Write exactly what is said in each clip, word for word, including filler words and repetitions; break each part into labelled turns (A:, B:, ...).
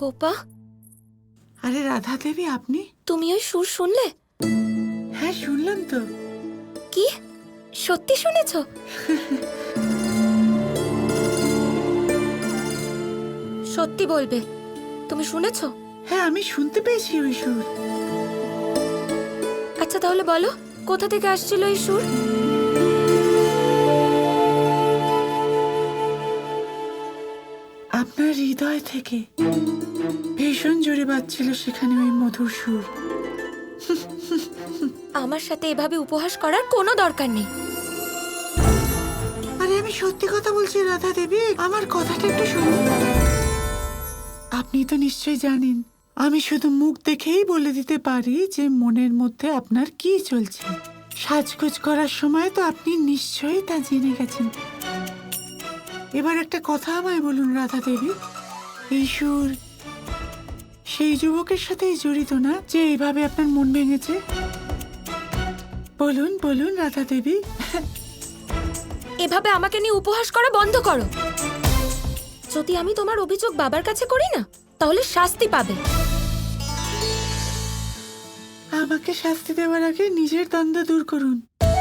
A: গোপা,
B: আরে রাধা দেবী, আপনি?
A: তুমি ওই সুর শুনলে?
B: হ্যাঁ, শুনলাম তো।
A: কি সত্যি শুনেছো? সত্যি বলবে, তুমি শুনেছো?
B: হ্যাঁ, আমি শুনতে পেয়েছি ওই সুর।
A: আচ্ছা তাহলে বলো, কোথা থেকে আসছিল এই সুর?
B: আপনার হৃদয় থেকে ভীষণ জোরে বাজছিল সেখানে ওই মধুর সুর।
A: আমার সাথে এভাবে উপহাস করার কোনো দরকার নেই।
B: আরে আমি সত্যি কথা বলছি রাধা দেবী, আমার কথাটা একটু শুনুন। আপনি তো নিশ্চয়ই জানেন, আমি শুধু মুখ দেখেই বলে দিতে পারি যে মনের মধ্যে আপনার কি চলছে। সাজগোজ করার সময় তো আপনি নিশ্চয়ই তা জেনে গেছেন। এবার একটা কথা আমায় বলুন রাধা দেবী, এই সুর সেই যুবকের সাথেই জড়িত না যে এইভাবে আপনার মন ভেঙেছে? বলুন বলুন রাধা দেবী।
A: এভাবে আমাকে নিয়ে উপহাস করা বন্ধ করো। যদি আমি তোমার অভিযোগ বাবার কাছে করি না, তাহলে শাস্তি পাবে।
B: আমাকে শাস্তি দেওয়ার আগে নিজের দ্বন্দ্ব দূর করুন।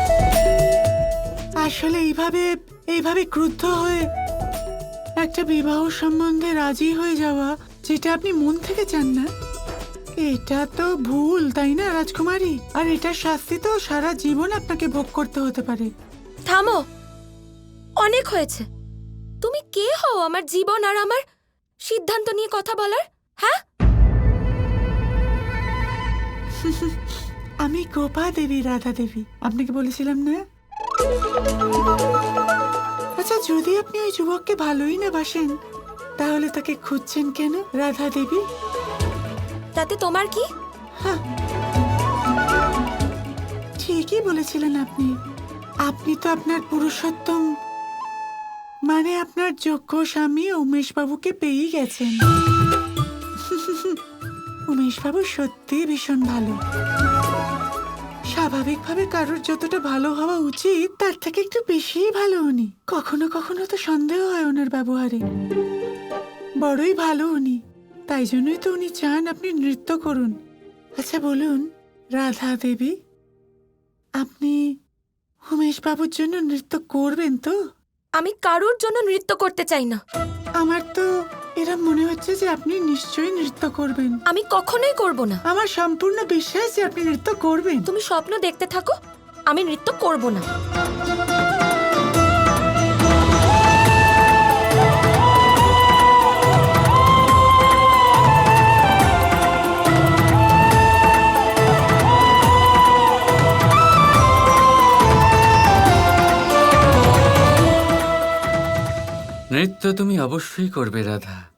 B: আসলে এইভাবে এইভাবে ক্রুদ্ধ হয়ে একটা বিবাহ সম্বন্ধে রাজি হয়ে যাওয়া, যেটা আপনি মন থেকে চান না, এটা তো ভুল, তাই না রাজকুমারী? আর এটার শাস্তি তো সারা জীবন আপনাকে ভোগ করতে হতে পারে।
A: থামো, অনেক হয়েছে। তুমি কে হও আমার জীবন আর আমার সিদ্ধান্ত নিয়ে কথা বলার? হ্যাঁ,
B: আমি গোপা দেবী, রাধা দেবী, আপনাকে বলেছিলাম না? আচ্ছা, যদি আপনি ওই যুবককে ভালোই না বাসেন, তাহলে তাকে খুঁজছেন কেন রাধা দেবী?
A: তাতে তোমার কি?
B: হ্যাঁ, ঠিকই বলেছিলেন আপনি। আপনি তো আপনার পুরুষোত্তম, মানে আপনার যোগ্য স্বামী উমেশ বাবুকে পেয়েই গেছেন। উমেশ বাবু সত্যি ভীষণ ভালো। স্বাভাবিকভাবে কারোর যতটা ভালো হওয়া উচিত তার থেকে একটু বেশিই ভালো উনি। কখনো কখনো তো সন্দেহ হয় ওনার ব্যবহারে। বড়ই ভালো উনি, তাই জন্যই তো উনি চান আপনি নৃত্য করুন। আচ্ছা বলুন রাধা দেবী, আপনি উমেশ বাবুর জন্য নৃত্য করবেন তো?
A: আমি কারোর জন্য নৃত্য করতে চাই না।
B: আমার তো এরা মনে হচ্ছে যে আপনি নিশ্চয়ই নৃত্য করবেন।
A: আমি কখনোই করব না।
B: আমার সম্পূর্ণ বিশ্বাস যে আপনি নৃত্য করবেন।
A: তুমি স্বপ্ন দেখতে থাকো, আমি নৃত্য করব না।
C: নৃত্য তুমি অবশ্যই করবে রাধা।